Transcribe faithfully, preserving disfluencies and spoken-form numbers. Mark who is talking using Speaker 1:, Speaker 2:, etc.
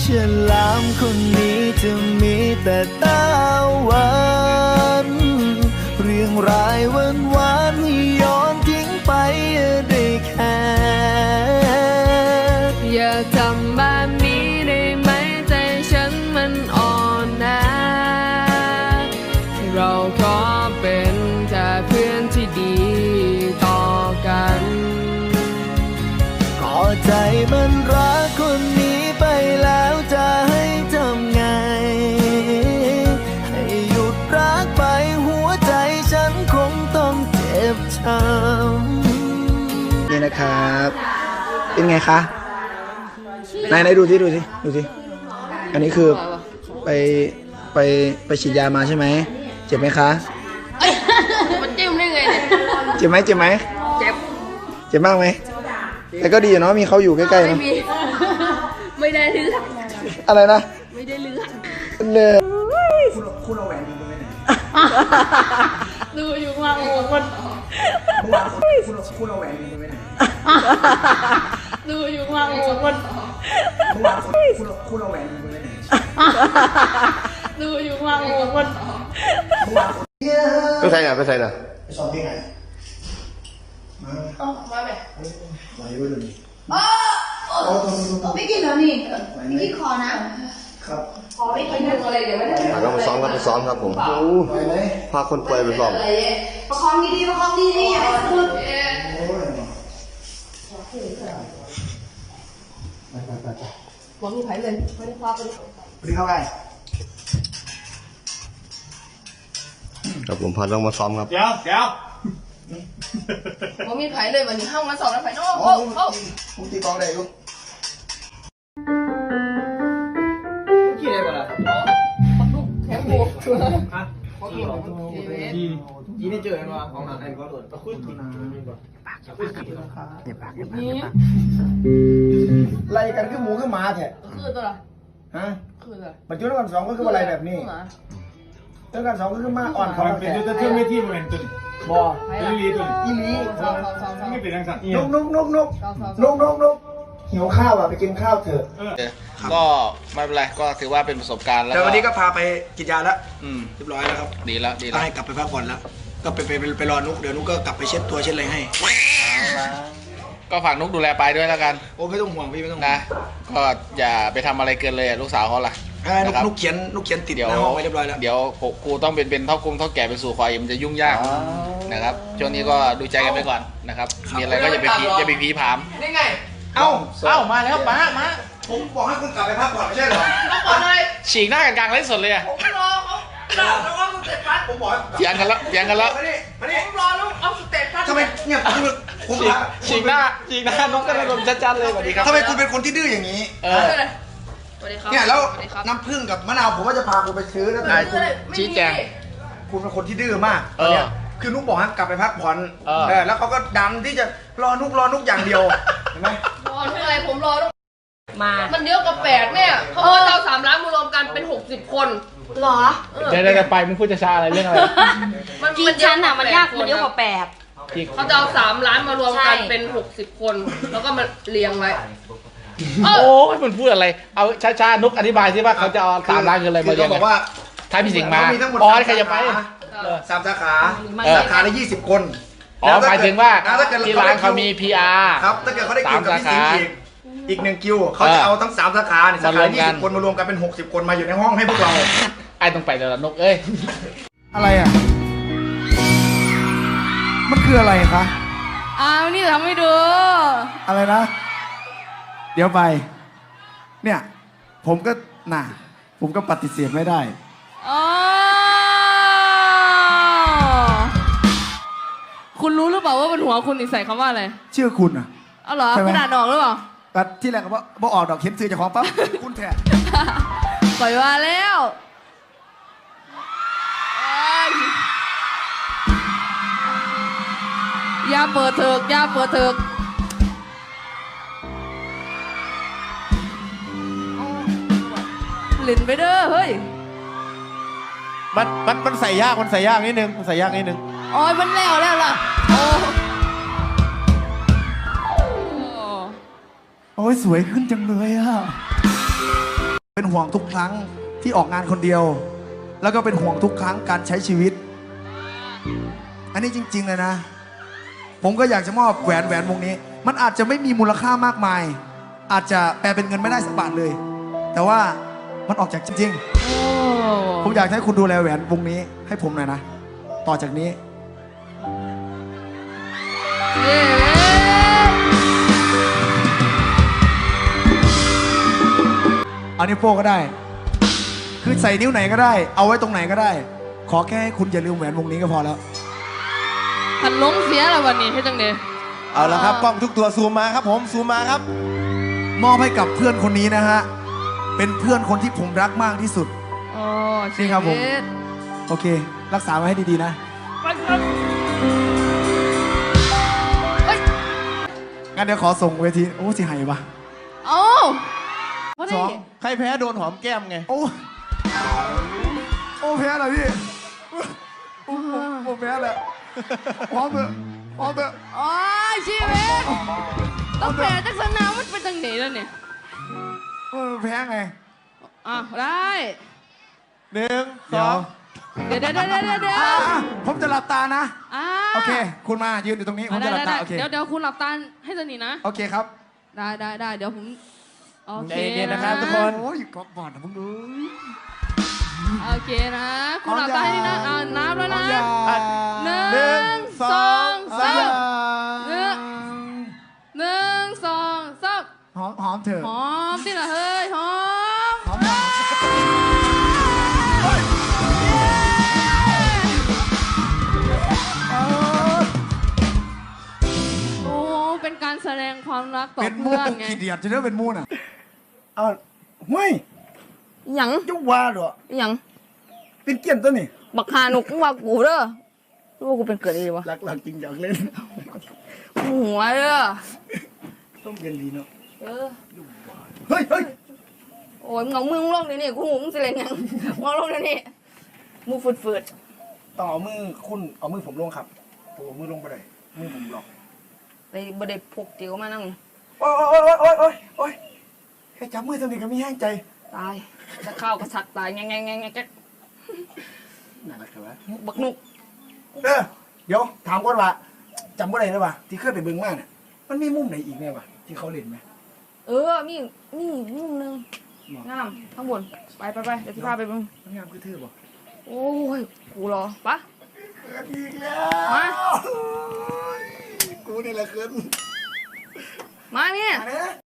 Speaker 1: ฉลามคนนี้จะมีแต่ตาหวานเรื่องรายวันวานให้ย้อนทิ้งไปได้แค่
Speaker 2: อย่าทำแบบนี้ได้ไหมใจฉันมันอ่อนนะเราขอเป็นแค่เพื่อนที่ดีต่อกัน
Speaker 1: ก็ใจมันรักคนนี้ไปแล้วจะให้ทำไงให้หยุดรักไปหัวใจฉันคงต้องเจ็บช้ำนี่นะครับเป็นไงคะไหนไหนดูสิดูสิดูสิอันนี้คือไปไปไปฉีดยามาใช่ไหมเจ็บไหมคะ
Speaker 2: มันจิ้มได้ไงเนี่ย
Speaker 1: เจ็บไหมเจ็บไหม
Speaker 2: เจ็บ
Speaker 1: เจ็บมากไหมแต่ก็ดีเนาะมีเขาอยู่ใกล้ๆเนาะ
Speaker 2: ไม่ได้เลือก
Speaker 1: อะไรนะ
Speaker 2: ไม่ได้เลือก
Speaker 1: เลย
Speaker 3: คุณเอาแหวนคุณไปไหน
Speaker 2: ดูอยู่ข้างหลังคน
Speaker 3: เมื่อวานคุณคุณเอาแหวนคุณไปไหน
Speaker 2: ดูอยู่ข้างหลังคน
Speaker 3: เมื่อวานคุณคุณเอาแหวนคุณไปไหน
Speaker 2: ดูอยู่ข้างหลังคน
Speaker 4: ไปใส่หน่ะไปใส่หน่ะ
Speaker 3: ไปสอนเพลงไหนมา
Speaker 2: เอามาไหม
Speaker 3: ไหวด้วยเลย
Speaker 5: อ๋อไม่กินแล้วนี่ไม่กินคอนะครับขอไม่กินอะไรเดี๋ยวไม่ได้
Speaker 4: ก็มาซ้อมครับไปซ้อมครับผมพาคนป่วยไปซ้อม
Speaker 5: ประคองดีๆประคองดีๆอย่าให้สะดุด
Speaker 2: หวังมีไผ่เลยไม่ได้พาไป
Speaker 3: สวัสดีครับไง
Speaker 4: ครับผมพาต้องมาซ้อมครับ
Speaker 3: เดี๋ยวเดี๋ยว
Speaker 2: หวังมีไผ่เลยวันนี้ห้างมาสองแล้วไผ่นอกโอ้โอ้
Speaker 3: ผมตีกองได้ลูกกี่ได้บ่ล่ะ
Speaker 2: ลูกแข็งบวก
Speaker 3: ฮะกี่กี่ได้เจอกันวะของหนังไอ้ก็โดนตะคุยกี่นาปากปากเนี่ยปากเนี่ยไล่กันคือหมูคือหมาแท้
Speaker 2: คือตัวละ
Speaker 3: ฮะ
Speaker 2: คือตัว
Speaker 3: ปัจจุบันวันสองก็คืออะไรแบบนี้เรื่องการสองก็คือมาอ่อนเขา
Speaker 6: เป็นตัวเทื่อไม่ที่บริเวณตุน
Speaker 3: บ่
Speaker 6: เป็นลีตุน
Speaker 3: อีลี
Speaker 6: ไม่เป็นทางสัตว์
Speaker 3: นกนกนกนกนกนกนกหิวข้าวอ่ะไปกินข้าวเถอะ
Speaker 7: ก็ไม่เป็นไรก็ถือว่าเป็นประสบการณ์แล้ว
Speaker 3: แต่วันนี้ก็พาไปกินยาแล้ว
Speaker 7: อืม
Speaker 3: เรียบร้อยแล้วครับ
Speaker 7: ดีแล้วดีแล้ว
Speaker 3: ให้กลับไปพักผ่อนแล้วก็ไปไปไปรอนุกเดี๋ยวนุกก็กลับไปเช็ดตัวเช็ดอะไรให้
Speaker 7: ก็ฝากนุกดูแลไปด้วยแล้วกัน
Speaker 3: โอ้ไม่ต้องห่วงพี่ไม่ต้อง
Speaker 7: นะก็อย่าไปทำอะไรเกินเลยลูกสาวเขาล่ะ
Speaker 3: นุกเขียนนุกเขียนติดในห้องไว้เรียบร้อยแล้ว
Speaker 7: เดี๋ยวครูต้องเป็นเป็นเท่ากงเท่าแก่ไปสู่ควายมันจะยุ่งยากนะครับช่วงนี้ก็ดูใจกันไปก่อนนะครับมีอะไรก็อย่าไปพีอย่าไปพีผาม
Speaker 2: นี่ไง
Speaker 3: เอ้า
Speaker 7: เอ้ามาแล้วป้ามา
Speaker 3: ผมบอกให้คุณกลับไปพักผ่อนไม่ใช่เหรอ
Speaker 2: พักผ่อนเลย
Speaker 7: ฉีกหน้ากันกลางเล่นสดเลยอะ
Speaker 2: ผมรอเขาแล้วก็สเตปัส
Speaker 3: ผมบอก
Speaker 7: เถียงกันแล้วเถียงกันแล้ว
Speaker 2: ผมรอลูกเอาสเตปัส
Speaker 3: ทำไมเนี่ยผม
Speaker 7: ฉีกหน้าฉีกหน้าน้องก็ระดมชัดๆเลยสวัสดีครับ
Speaker 3: ทำไมคุณเป็นคนที่ดื้ออย่างนี้
Speaker 7: เออ
Speaker 3: เนี่ยแล้วน้ำผึ้งกับมะนาวผมว่าจะพาคุณไปซื้อแล้วแต่คุณ
Speaker 7: ชี้แจง
Speaker 3: คุณเป็นคนที่ดื้อมากเนี่ยคือนุ๊กบอกให้กลับไปพักผ่อนเออแล้วเขาก็ดันที่จะรอนุ๊กรอนุ๊กอย่างเดียวเห็นไหม
Speaker 2: รอทุกอะไรผมรอทุกมามันเยอะกับแปดเนี่ยเขาบอกเราสามล้านมารวมกันเป็นหกสิบคน
Speaker 5: หรอ
Speaker 7: เดี๋ยวจะไปมึงพูดจะช้าอะไรเรื่องอะไร
Speaker 5: จริงฉันอ่ะมันยากมันเยอะกว่าแปด
Speaker 2: เขาจะเอาสามล้านมารวมกันเป็นหกสิบคนแล้วก็มาเรียงไว้
Speaker 7: โอ้ยมันพูดอะไรเอาช้าๆนุกอธิบายสิว่าเขาจะเอาสามล้านเงินอะไรมาเรียง
Speaker 3: บอกว่า
Speaker 7: ท้ายพี่สิงห์มา
Speaker 3: อ๋
Speaker 7: อใครจะไป
Speaker 3: สามสาขาสาขาละยี่สิบคน
Speaker 7: อ๋อหมายถึงว่าที่ร้านเขามี พี อาร์
Speaker 3: ครับถ้าเกิดเขาได้คิวกับพี่สิงห์อีกอีกหนึ่งคิวเขาจะเอาทั้งสามสาขาสาขายี่สิบคนมารวมกันเป็นหกสิบคนมาอยู่ในห้องให้พวกเรา
Speaker 7: ไอ้ต้องไปแต่ละนกเอ้ย
Speaker 3: อะไรอ่ะมันคืออะไรคะ
Speaker 2: อ้าวนี่ทำให้ดู
Speaker 3: อะไรนะเดี๋ยวไปเนี่ยผมก็น่ะผมก็ปฏิเสธไม่ได้
Speaker 2: อ๋อคุณรู้หรือเปล่าว่าบนหัวคุณใส่คำว่าอะไร
Speaker 3: ชื่อคุณอ่ะ
Speaker 2: อ๋อเหรอคุณอ่านออกหรือเปล่า
Speaker 3: ก็ที่แรกก็ว่าบ่ออกดอกเข็มซื้อจากของปั๊บคุณแท้
Speaker 2: ปล่อยมาแล้วอย่าเปิดเถิกอย่าเปิดเถิกหลินไปเด้อเฮ้ย
Speaker 6: มันมันมันใส่ยากมันใส่ยากนิดนึงมันใส่ยากนิดนึง
Speaker 2: อ๋อมันแล้วแล้วล่ะโอ้
Speaker 3: โอ้ยสวยขึ้นจังเลยอ่ะ
Speaker 1: ห่วงทุกครั้งที่ออกงานคนเดียว แล้วก็เป็นห่วงทุกครั้งการใช้ชีวิต อันนี้จริงๆเลยนะ ผมก็อยากจะมอบแหวนแหวนวงนี้ มันอาจจะไม่มีมูลค่ามากมาย อาจจะแปลเป็นเงินไม่ได้สักบาทเลย แต่ว่ามันออกจากจริง
Speaker 2: โอ้
Speaker 1: ๆ ผมอยากให้คุณดูแลแหวนวงนี้ให้ผมหน่อยนะ ต่อจากนี้
Speaker 2: เย้
Speaker 1: เอานิ้วโป้งก็ได้ คือใส่นิ้วไหนก็ได้ เอาไว้ตรงไหนก็ได้ ขอแค่ให้คุณอย่าลืมแหวนวงนี้ก็พอแล้ว
Speaker 2: พันลงเสียแล้ววันนี้ให้จังเดย
Speaker 6: เอาละครับกล้องทุกตัวซูมมาครับผมซูมมาครับ
Speaker 1: มอบให้กับเพื่อนคนนี้นะฮะ เป็นเพื่อนคนที่ผมรักมากที่สุด
Speaker 2: โอ้
Speaker 1: นี่ครับผม
Speaker 2: ชีวิต
Speaker 1: โอเค รักษาไว้ให้ดีๆนะ
Speaker 2: ไปครับเฮ้ย
Speaker 1: งั้นเดี๋ยวขอส่งเวที โอ้สิหายปะ
Speaker 2: โอ้พอ
Speaker 1: ส
Speaker 2: ดี
Speaker 1: อง
Speaker 6: ใครแพ้โดนหอมแก้มไง
Speaker 1: โอ้ โอ้แพ้เหรอพี่โอ้ผมแพ้แล้วพร้อมเถอะพร้อมเถอะ
Speaker 2: โอ้ยชีวิตต้องแปลจากสนามมันเป็นจังไหนแล้วเนี่ย
Speaker 1: เออแพ้ไง
Speaker 2: อ่ะได้
Speaker 6: หนึ่งส
Speaker 1: เดี๋ย
Speaker 6: อ
Speaker 1: ว
Speaker 6: ง
Speaker 2: เดี๋ยวเดี๋ยวเดี๋ยวเดี๋ยวเดี๋ยว
Speaker 1: อ่ะผมจะหลับตานะ
Speaker 2: อ่า
Speaker 1: โอเค คุณมายืนอยู่ตรงนี้ ผม
Speaker 2: ได้
Speaker 1: จะหลับ
Speaker 2: ได้
Speaker 1: ตา
Speaker 2: ได้
Speaker 1: โอเค
Speaker 2: เดี๋ยวเดี๋ยวคุณหลับตาให้สนิทนะ
Speaker 1: โอเคครับ
Speaker 2: ได้ได้ได้เดี๋ยวผมโอเค
Speaker 6: ใจเย็นๆนะครับทุกคน
Speaker 1: โอ้ยกอบบอดนะมึงดู
Speaker 2: โอเคนะ คุณหลับตาให้ดีนะอ่านับแล้วนะ
Speaker 6: อ่ะ
Speaker 2: หนึ่
Speaker 6: หนึ่ง
Speaker 2: ง
Speaker 6: ส
Speaker 2: ส
Speaker 6: อ
Speaker 2: อง ง
Speaker 6: สา
Speaker 2: สาม
Speaker 6: ม
Speaker 2: หนึ่งหนึ่งสองสาม
Speaker 1: หอมหอมเถอะ
Speaker 2: หอมสิล่ะเฮ้ยหอม
Speaker 1: หอมหอม
Speaker 2: โอ้เป็นการแสดงความรักต่อ
Speaker 1: เป็นมู
Speaker 2: เพื่อนไง
Speaker 1: ขี้เดียดจะเรียกเป็นมูน่ะเอาห้วย
Speaker 2: หยัง
Speaker 1: ยุว่าเหรอ
Speaker 2: หยัง
Speaker 1: เป็นเกียนตัวนี่
Speaker 2: บักฮานุกมึงว่ากูเด้อรู้ว่ากูเป็นเกิดอะไรวะ
Speaker 1: หลักๆจริงอยากเล่น
Speaker 2: หัวเด้อ
Speaker 1: ต้องเรียนดีเนาะ
Speaker 2: เออ
Speaker 1: เฮ้ยเฮ้ย
Speaker 2: โอ้ยมึงเอามือมึงลงนี่นี่กูหูมึงสิเล่นหยังมึงเอาลงนี่นี่มือฝืด
Speaker 1: ต้องเอามือคุณเอามือผมลงครับโอ้มือลงไปเลยมือผมหลอก
Speaker 2: ๆไปบ่ได้พกเตียวมานั่ง
Speaker 1: โอ้ยโอ้ยโอ้ยโอ้ยโอ้ยแค่จับมือตัวนี้ก็ไม่แห้งใจ
Speaker 2: ตายจะเข้าวกระสักตายแงงแงงแงงแงง
Speaker 1: น่ารักเหรอวะ
Speaker 2: บักนุก
Speaker 1: เออเดี๋ยวถามก่อนว่าจำว่าอะไรได้ปะที่เคยไปเบิ่งมาเนี่ยมันมีมุมไหนอีกเนี่ยวะที่เขาเล่นไหม
Speaker 2: เออมีมีมุมหนึงงามข้างบนไปไปไปเดี๋ยวพี่พาไปเบิ่ง
Speaker 1: มันงามคือเธอบ่
Speaker 2: โอ้ยกูรอปะ
Speaker 1: เกินอีกแล้ว
Speaker 2: มา
Speaker 1: กูนี่แหละเกิน
Speaker 2: มาเนี่ย
Speaker 1: มาเนี่ย